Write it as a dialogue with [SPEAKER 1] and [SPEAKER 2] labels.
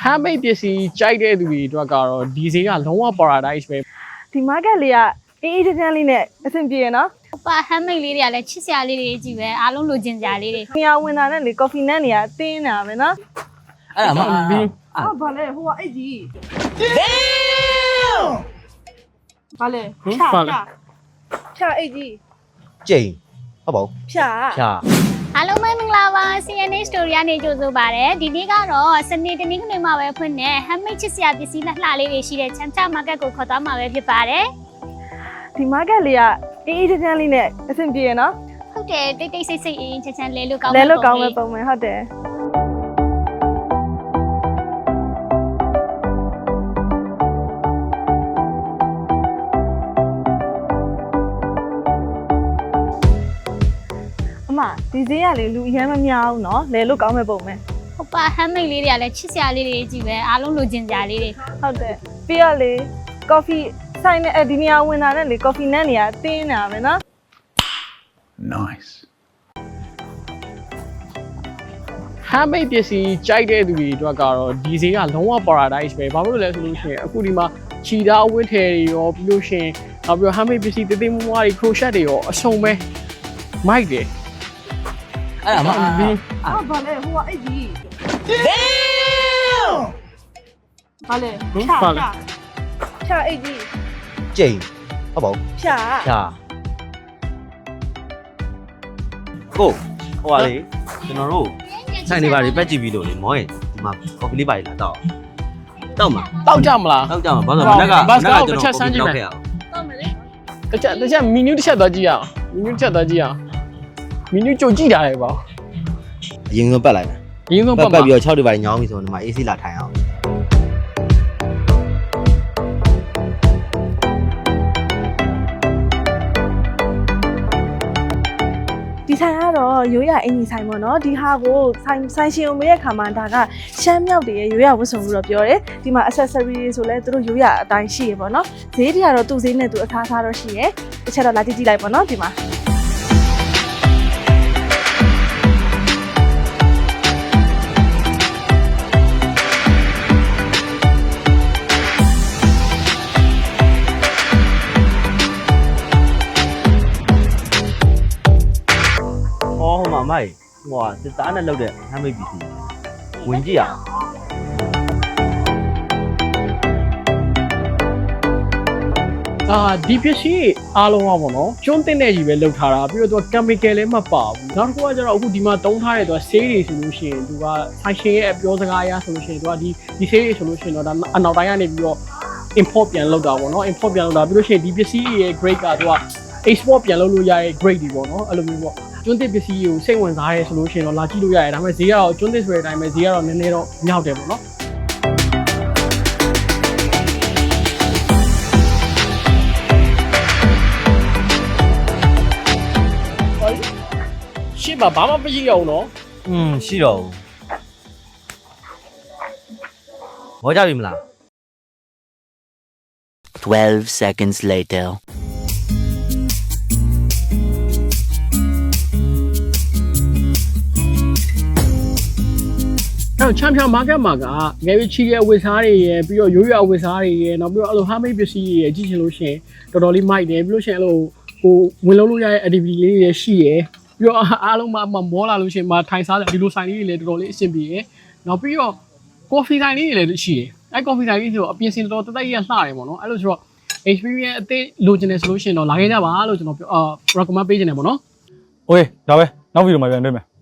[SPEAKER 1] handmade ပစ္စည်းကြိုက်တဲ့သူတွေအတွက်ကတော့ဒီဈေးကလုံးဝ paradise ပဲ
[SPEAKER 2] ဒီ market လေးကအေးအေးချမ်းချမ်းလေးနဲ့အဆင်ပြေရနော်
[SPEAKER 3] ပါ handmade လေးတွေကလည်းချစ်စရာလေးတွေကြီးပဲအားလုံးလိုချင်စရာလေးတွေ
[SPEAKER 2] နေရာဝင်တာနဲ့လေ coffee နဲ့နေရာတင်းနေတာပဲနော်
[SPEAKER 4] အဲ့ဒါမှ
[SPEAKER 2] ဘာလဲဟိုကအဲ့ကြီး ဘာလဲဖြာအိတ်ကြီး
[SPEAKER 4] ကျိန်ဟုတ်ပါဘူး
[SPEAKER 2] ဖြာ
[SPEAKER 3] အားလုံးပဲမင်္ဂလာပါ CNA Story ကနေကြိုဆိုပါရစေဒီနေ့ကတော့စနေတနင်္ဂနွေမှာပဲဖွင့်တဲ့ handmade ချစ်စရာပစ္စည်းလှလေးတွေရှိတဲ့ချမ်းချ market ကိုခေါ်သွားမှာပဲဖြစ်ပါတယ်
[SPEAKER 2] ဒီ market လေးကအေးအေးချမ်းချမ်းလေးနဲ့အဆင်ပြေရနော်
[SPEAKER 3] ဟုတ်တယ်တိတ်တိတ်ဆိတ်ဆိတ်အေးချမ်းချမ်းလဲလို့ကောင်း
[SPEAKER 2] ပဲပုံမှန်ဟုတ်တယ်ဒီဈေးကလေလူအများမများဘူးเนาะလဲလို့ကောင်းမဲ့ပုံပဲ
[SPEAKER 3] ဟုတ်ပါ handmade လေးတွေကလည်းချစ်စရာလေးတွေကြီးပဲအားလုံးလိုချင်စရာလေးတွေ
[SPEAKER 2] ဟုတ်တယ်ပြီးတော့လေ coffee ဆိုင်နဲ့ဒီနေရာဝင်တာနဲ့လေ coffee နဲ့နေရာတင်းနေတာပဲเนาะ
[SPEAKER 1] nice handmade ပစ္စည်းကြိုက်တဲ့သူတွေအတွက်ကတော့ဒီဈေးကလုံးဝ paradise ပဲဘာလို့လဲဆိုလို့ရှိရင်အခုဒီမှာခြိသားအဝတ်ထည်တွေရောပြီးလို့ရှိရင်နောက်ပြီးတော့ handmade ပစ္စည်းတေးသေးမွားတွေ crochet တွေရောအစုံပဲမိုက်တယ်
[SPEAKER 4] အဲ့ဒါမှ
[SPEAKER 2] ဘာလဲဟိုကအဲ့ကြီးဘာလဲဖြာအိတ်ကြီး
[SPEAKER 4] ကျိန်ဟုတ်ပါဘူး
[SPEAKER 2] ဖြာ
[SPEAKER 4] ကိုဟိုကလေကျွန်တော်တို့ဆိုင်တွေပါတွေပက်ကြည့်ပြီးလို့လေမောရင်ဒီမှာ coffee လေးပါလာတော့တောက်မှာ
[SPEAKER 1] တောက်ကြမလား
[SPEAKER 4] တောက်ကြမှာဘာလို့မနက်က
[SPEAKER 1] တစ်ချက်စမ်းကြည့်မယ်
[SPEAKER 2] တောက်မယ်လေ
[SPEAKER 1] တစ်ချက်မီနူးတစ်ချက်သွားကြည့်ရအောင်မီနူးတစ်ချက်သွားကြည့်ရအောင်မီနူးကြိုကြည့်တာလေပေါ့
[SPEAKER 4] အရင်ဆုံးပတ်လိုက်မယ်
[SPEAKER 1] အရင်ဆုံးပတ်
[SPEAKER 4] ပြီးတော့6တွေပါညောင်းပြီဆိုတော့ဒီမှာ AC လာထိုင်အောင်
[SPEAKER 2] ဒီဆိုင်ကတော့ရိုးရအင်ကြီးဆိုင်ပေါ့နော်ဒီဟာကိုဆိုင်ရှင်ကိုမေးတဲ့ခါမှာဒါကရှမ်းမြောက်တွေရဲ့ရိုးရဝတ်စုံလို့တော့ပြောတယ်ဒီမှာ accessory တွေဆိုလဲသူတို့ရိုးရအတိုင်းရှိရပေါ့နော်ဈေးတွေကတော့သူ့ဈေးနဲ့သူအထားထားတော့ရှိရတစ်ချက်တော့လာကြည့်လိုက်ပေါ့နော်ဒီမှာ
[SPEAKER 4] မိုက်ဟိုကစစ်သားနဲ့လောက်တဲ့ handmade ပစ္စည်းဝင်ကြည့်ရအောင်
[SPEAKER 1] ဒီပစ္စည်းအားလုံးကပေါ့နော်ကျွန်းတင်တဲ့ကြီးပဲလောက်ထားတာပြီးတော့သူက chemical လည်းမပါဘူးနောက်တစ်ခုကကျတော့အခုဒီမှာတုံးထားတဲ့သူကဆေးတွေဆိုလို့ရှိရင်သူက fashion ရဲ့အပြောစကားအရဆိုလို့ရှိရင်သူကဒီဆေးတွေဆိုလို့ရှိရင်တော့ဒါအနောက်တိုင်းကနေပြီးတော့ import ပြန်လုပ်တာပေါ့နော် import ပြန်လုပ်တာပြီးလို့ရှိရင်ဒီပစ္စည်းရဲ့ grade ကသူက export ပြန်လုပ်လို့ရတဲ့ grade တွေပေါ့နော်အဲ့လိုမျိုးပေါ့ကျွန်းသစ်ပစ္စည်းကိုစိတ်ဝင်စားရဲဆိုလို့ရှိရင်တော့လာကြည့်လို့ရတယ်ဒါပေမဲ့ဈေးကတော့ကျွန်းသစ်ဆိုတဲ့အတိုင်းပဲဈေးကတော့နည်းနည်းတော့မြောက်တယ်ပေါ့နော်ရှင်းပါဘာမှမရှိရအောင်နော်
[SPEAKER 4] ရှိတော့ဘူးမောကြပြီမလား
[SPEAKER 5] 12 seconds later
[SPEAKER 1] ချမ်းချမ်း market မှာကငယ်ပြီးချီတဲ့အဝတ်စားတွေရယ်ပြီးတော့ရိုးရိုးအဝတ်စားတွေရယ်နောက်ပြီးတော့အဲ့လို handmade ပစ္စည်းတွေရယ်ကြည့်ချင်လို့ရှိရင်တော်တော်လေးမိုက်တယ်ပြီးလို့ရှိရင်အဲ့လိုဟိုဝင်လုံးလို့ရတဲ့ activity လေးတွေရှိရယ်ပြီးတော့အားလုံးမှမောလာလို့ရှိရင်ထိုင်စားတယ်ဒီလိုဆိုင်လေးတွေလည်းတော်တော်လေးအဆင်ပြေရယ်နောက်ပြီးတော့ coffee ဆိုင်လေးတွေလည်းရှိရယ်အဲ့ coffee ဆိုင်လေးဆိုတော့အပြင်စင်တော်တော်တက်တက်ရလှတယ်ပေါ့နော်အဲ့လိုဆိုတော့ experience အသေးလိုချင်တယ်ဆိုလို့ရှိရင်တော့လာခဲ့ကြပါလို့ကျွန်တော်recommend ပေးချင်တယ်ပေါ့နော်
[SPEAKER 6] โอเคဒါပဲနောက်ဗီဒီယိုမှာပြန်တွေ့မယ်